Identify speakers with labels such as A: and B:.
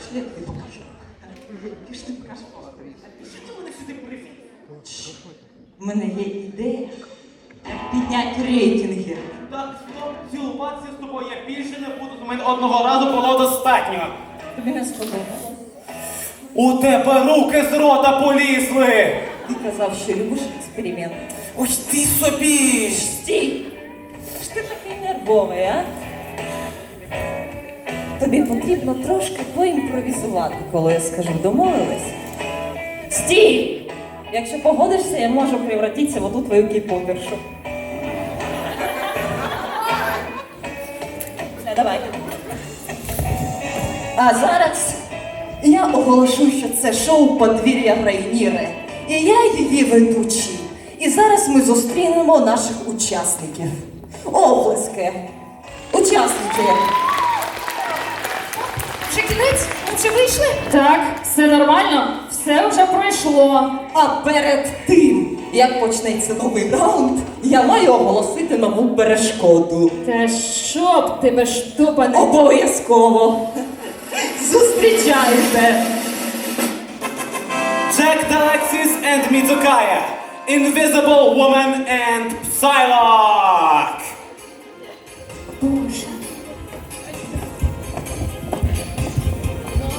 A: Пішли, я тобі покажу. Пішли, покажу Володимир. Що ти мене сюди привів? У мене є ідея, як підняти рейтинги.
B: Так, стоп, цілуватися з тобою я більше не буду, у мене одного разу було достатньо.
A: Тобі не сподобалось?
B: У тебе руки з рота полізли!
A: Ти казав, що любиш експеримент.
B: Ось ти собі!
A: Стій! Ж ти такий нервовий, а? Тобі потрібно трошки поімпровізувати, коли я скажу «домовились». Стій! Якщо погодишся, я можу превратитися в оту твою кіпотершу. Все, давай. А зараз я оголошу, що це шоу «Подвір'я Рейніри». І я її ведучий. І зараз ми зустрінемо наших учасників. Оплески! Учасники!
C: Вже кінець? Ми вже вийшли?
D: Так, все нормально, все вже пройшло.
A: А перед тим, як почнеться новий раунд, я маю оголосити нову перешкоду.
D: Та щоб тебе штупане.
A: Обов'язково! Зустрічайте!
B: Jack Alexis and Mizukaya, Invisible Woman and Psylocke!